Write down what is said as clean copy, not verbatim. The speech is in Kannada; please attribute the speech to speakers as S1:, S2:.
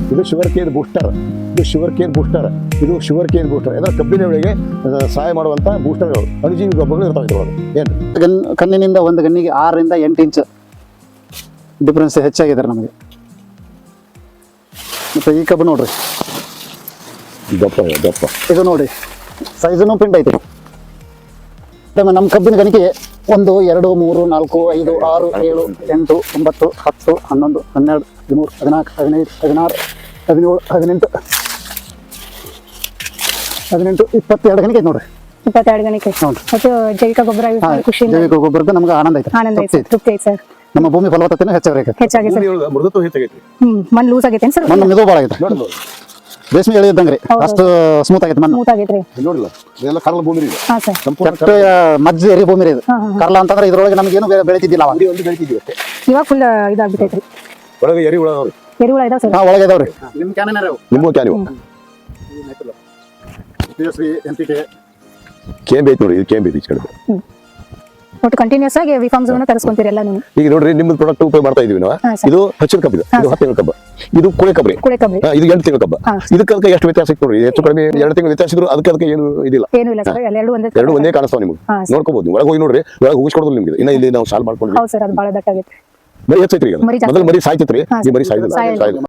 S1: ಇದು ಶುಗರ್ ಕೇನ್ ಬೂಸ್ಟರ್, ಇದು ಶುಗರ್ ಕೇನ್ ಬೂಸ್ಟರ್, ಇದು ಶುಗರ್ ಕೇನ್ ಬೂಸ್ಟರ್. ಅಂದರೆ ಕಬ್ಬಿನಗಳಿಗೆ ಸಹಾಯ ಮಾಡುವಂಥ ಬೂಸ್ಟರ್ಗಳು, ಅಣುಜೀವಿ ಗೊಬ್ಬರಗಳು ಇರ್ತಾವೆ ಇದ್ರೊಳಗೆ. ಏನು
S2: ಕಣ್ಣಿನಿಂದ ಒಂದು ಗಣ್ಣಿಗೆ 6 ರಿಂದ 8 ಇಂಚ್ ಡಿಫ್ರೆನ್ಸ್ ಹೆಚ್ಚಾಗಿದೆ ನಮಗೆ. ಮತ್ತು ಈ ಕಬ್ಬು ನೋಡ್ರಿ,
S1: ದಪ್ಪ
S2: ಇದು ನೋಡಿ ಸೈಜನು ಪಿಂಡ್ ಐತೆ. ನಮ್ಮ ಕಬ್ಬಿನ ಗಣಿಕೆ 1 2 3 4 5 6 7 8 9 10 11 12 13 14 15 16 17 18 18 22 ಗಣಿಕೆ ಐತೆ ನೋಡ್ರಿ.
S3: 22 ಗಣಿಕೆ. ಮತ್ತು ಜೈವಿಕ ಗೊಬ್ಬರ ಖುಷಿ,
S2: ಜೈವಿಕ ಗೊಬ್ಬರದ ನಮ್ಗೆ ಆನಂದ ಐತೆ,
S3: ಆನಂದ ಐತೆ, ತೃಪ್ತಿ ಐತೆ ಸರ್.
S2: ನಮ್ಮ ಭೂಮಿ ಫಲವತ್ತತೆನೂ ಹೆಚ್ಚಾಗೈತೆ.
S3: ಹೆಚ್ಚಾಗಿದೆ ಸರ್.
S1: ಮೃದುತ್ವ ಹೆಚ್ಚಾಗೈತಿ,
S3: ಮಣ್ಣು ಲೂಸ್ ಆಗೈತೆ ಸರ್.
S2: ಮಣ್ಣು ಮೆದು ಭಾಳ ಆಗೈತೆ, ರೇಷ್ಮೆ ಎಳೆ ಇದ್ದಂಗ್ರಿ, ಅಷ್ಟು ಸ್ಮೂತ್ ಆಗೈತೆ ಮಣ್ಣು.
S3: ಸ್ಮೂತ್ ಆಗೈತ್ರಿ.
S1: ನೋಡಿಲ್ಲ ಇದೆಲ್ಲ ಕರ್ಲ ಭೂಮಿ ಇದೆ,
S3: ಹಾ ಸರ್.
S2: ಕೆಟ್ಟ ಮಜ್ಜಿ ಎರಿ ಭೂಮಿ ಇದು. ಕರ್ಲ ಅಂತಂದ್ರೆ ಇದ್ರೊಳಗೆ ನಮ್ಗೇನು ಬೆಳಿತಿದ್ದಿಲ್ಲ ಅವಾಗ.
S1: ಒಂದು ಬೆಳಿತಿದ್ವಿ ಅಷ್ಟೇ.
S3: ಇವಾಗ ಫುಲ್ ಇದಾಗ್ಬಿಟ್ಟೈತ್ರಿ.
S1: ಒಳಗೆ ಎರಿ ಹುಳ ಅದಾವ್ರಿ,
S3: ಎರಿಹುಳ ಇದಾವ ಸರ್.
S2: ಒಳಗೆ ಇದಾವ್ರಿ. ನಿಮ್ಮ ಕ್ಯಾನ್
S1: ನಿಮ್ಮ ಕ್ಯಾನ್ ಕೇಂಬಿ ಐತಿ ನೋಡಿ, ಇದು ಕೇಂಬಿ ಐತಿ ಈ ಕಡೆ.
S3: ಒಟ್ಟು ಕಂಟಿನ್ಯೂಸ್ ಆಗಿ ವಿಫಾರ್ಮ್ಸ್ ಅನ್ನು ತರಿಸ್ಕೊಂತೀರಿ ಎಲ್ಲ ನೀವು.
S1: ಈಗ ನೋಡ್ರಿ ನಿಮ್ದು ಪ್ರಾಡಕ್ಟ್ ಉಪಯೋಗ ಮಾಡ್ತಾ ಇದೀವಿ ನಾವು. ಇದು ಹಚ್ಚಿದ ಕಬ್ಬು, ಇದು 10 ತಿಂಗಳ ಕಬ್ಬ, ಇದು ಕುಳೆ ಕಬ್ರಿ,
S3: ಕುಳೆ ಕಬ್ಬಿ.
S1: ಇದು 8 ತಿಂಗಳ ಕಬ್ಬ. ಇದಕ್ಕೆ ಎಷ್ಟು ವ್ಯತ್ಯಾಸ ಇತ್ತು ನೋಡ್ರಿ, ಹೆಚ್ಚು ಕಡಿಮೆ 2 ತಿಂಗಳು ವ್ಯತ್ಯಾಸ ಇದ್ರು ಅದಕ್ಕೆ ಏನು ಇದಿಲ್ಲ,
S3: ಏನು ಇಲ್ಲ ಸರ್. ಎರಡು
S1: ಒಂದೇ ಕಾಣಿಸ್ತಾವ ನಿಮ್ಗೆ, ನೋಡ್ಕೋಬಹುದು. ಒಳಗೆ ಹೋಗಿ ನೋಡ್ರಿ, ಒಳಗೆ ಹೋಗಿಸ್ಕೊಡೋದು ನಿಮ್ಗೆ. ಇನ್ನ ಇಲ್ಲಿ ನಾವು ಸಾಲ್ ಮಾಡ್ಕೊಂಡ್ವಿ.
S3: ಹೌದು ಸರ್, ಅದು ಬಹಳ ದಟ್ಟಾಗೈತೆ.
S1: ಮರಿ ಹೆಚ್ಚೈತ್ರಿ, ಈಗ ಮೊದಲು ಮರಿ ಸಾಯ್ತಿತ್ರಿ, ಈ ಮರಿ ಸಾಯ್ತಿಲ್ಲ.